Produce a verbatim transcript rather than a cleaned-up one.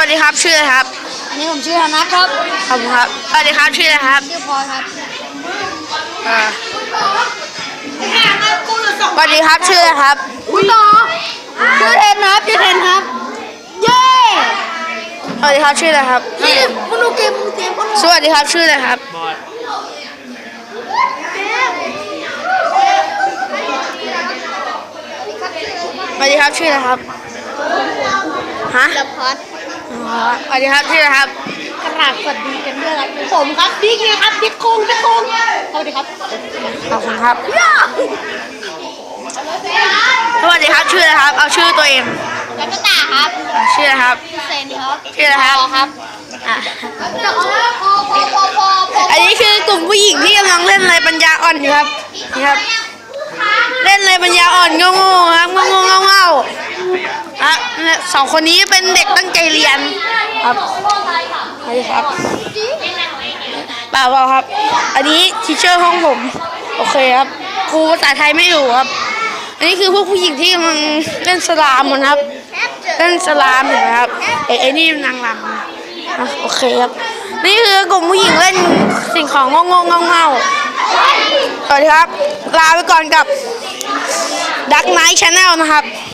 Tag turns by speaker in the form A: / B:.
A: สดีครับชื่ออะไรครับ
B: อันนี้ผมชื่อธนัทครับ
A: ขอบคุณครับสวัสดีครับชื่ออะไรครับ
B: ชื่อพลอยครับ
A: อ่าสวัสดีครับชื่ออะไรครับ
B: คุณต่อชื่อเทนครับชื่อเทนครับเย้
A: สวัสดีครับชื่ออะไรครับ
B: นี่คุณดูเกมคุณเกมคุณ
A: สวัสดีครับชื่ออะไรครับสวัสดีครับชื่ออะไรครับฮะ
B: ละพัด
A: อ๋อสวัสดีครับชื่ออะไรครับ
B: กระดาษสวัสดีกันด้วยครับผมครับบิ๊กเลยครับบิ๊กคงบิ๊กคงสวัสดีครับ
A: ขอบคุณครับสวัสดีครับชื่ออะไรครับเอาชื่อตัวเอง
B: แล้วก็ตาครับ
A: อ่ะชื่ออะไรครับ
B: เซนครับ
A: ชื่ออะไรครับ
B: ครับ
A: อ่ะ
B: พอพอพอพอพอ
A: อันนี้คือกลุ่มผู้หญิงที่กำลังเล่นอะไรปัญญาอ่อนอยู่ครับนี่ครับ เล่นอะไรปัญญาอ่อนโง่ๆครับโง่ๆเง่าๆอ่ะสองคนนี้เป็นเด็กตั้งใจเรียนครับนี่ครับเปล่าเปล่าครับ อันนี้ทีเชอร์ห้องผมโอเคครับครูภาษาไทยไม่อยู่ครับ อันนี้คือพวกผู้หญิงที่กำลังเล่นสลามกันครับเล่นสลามเห็นไหมครับไอ้ไอ้นี่นางรำนะโอเคครับนี่คือกลุ่มผู้หญิงเล่นสิ่งของโง่ๆเง่าๆสวัสดีครับลาไปก่อนกับ Dark Knight Channel นะครับ